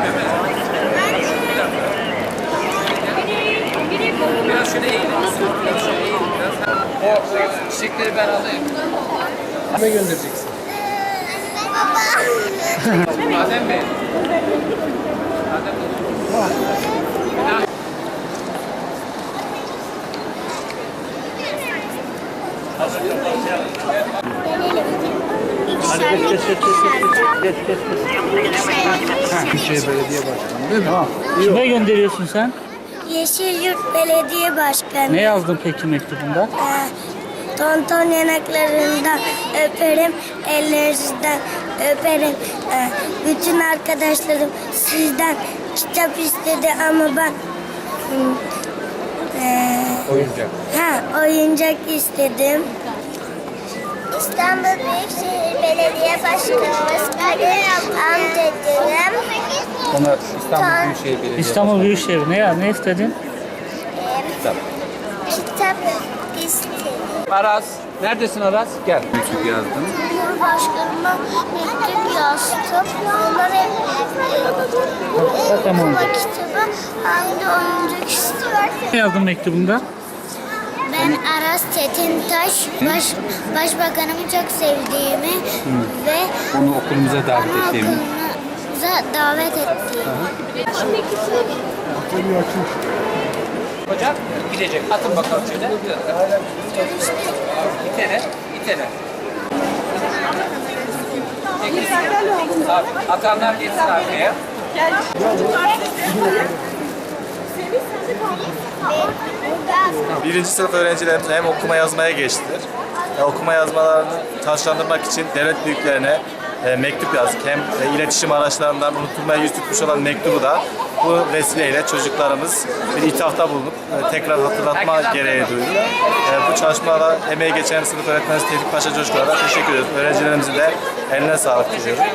Biraz şöyle eğilir misin? O çiçekleri ben alayım. Kime göndereceksin? Adem Bey. Adem Bey. Büyükşehir Belediye Başkanı değil mi? Tamam. Kime gönderiyorsun sen? Yeşilyurt Belediye Başkanı. Ne yazdın peki mektubunda? Tonton yanaklarından öperim, ellerinizden öperim. Bütün arkadaşlarım sizden kitap istedi ama ben Oyuncak. oyuncak istedim. İstanbul Büyükşehir Belediye Başkanımız Kadir amcacığım. Ona İstanbul Büyükşehir Belediyesi. İstanbul Büyükşehir. Ne istedin? Kitap. Kitap istedim. Aras. Neredesin Aras? Gel. Mektup yazdım. Cumhurbaşkanıma mektup yazdım. Onlar hem Tamam. okuma kitabı hem de oyuncak istiyor. Ne yazdın mektubunda? Ben Aras Çetintaş, Başbakanımı çok sevdiğimi ve Onu okulumuza davet ettiğimi. okulumuza davet ettiğimi. Hocam gidecek. Atın bakalım şöyle. İtene. İtene. Abi, atanlar geçsin arkaya. Birinci sınıf öğrencilerimiz hem okuma yazmaya geçtiler. Okuma yazmalarını taşlandırmak için devlet büyüklerine mektup yazdık. Hem iletişim araçlarından unutulmaya yüz tutmuş olan mektubu da bu vesileyle çocuklarımız bir ithafta bulunup tekrar hatırlatma gereği duydu. Bu çalışmalara emeği geçen sınıf öğretmenimiz Tevfik Paşa Coşkun'a da teşekkür ediyoruz. Öğrencilerimizin de eline sağlık diliyorum.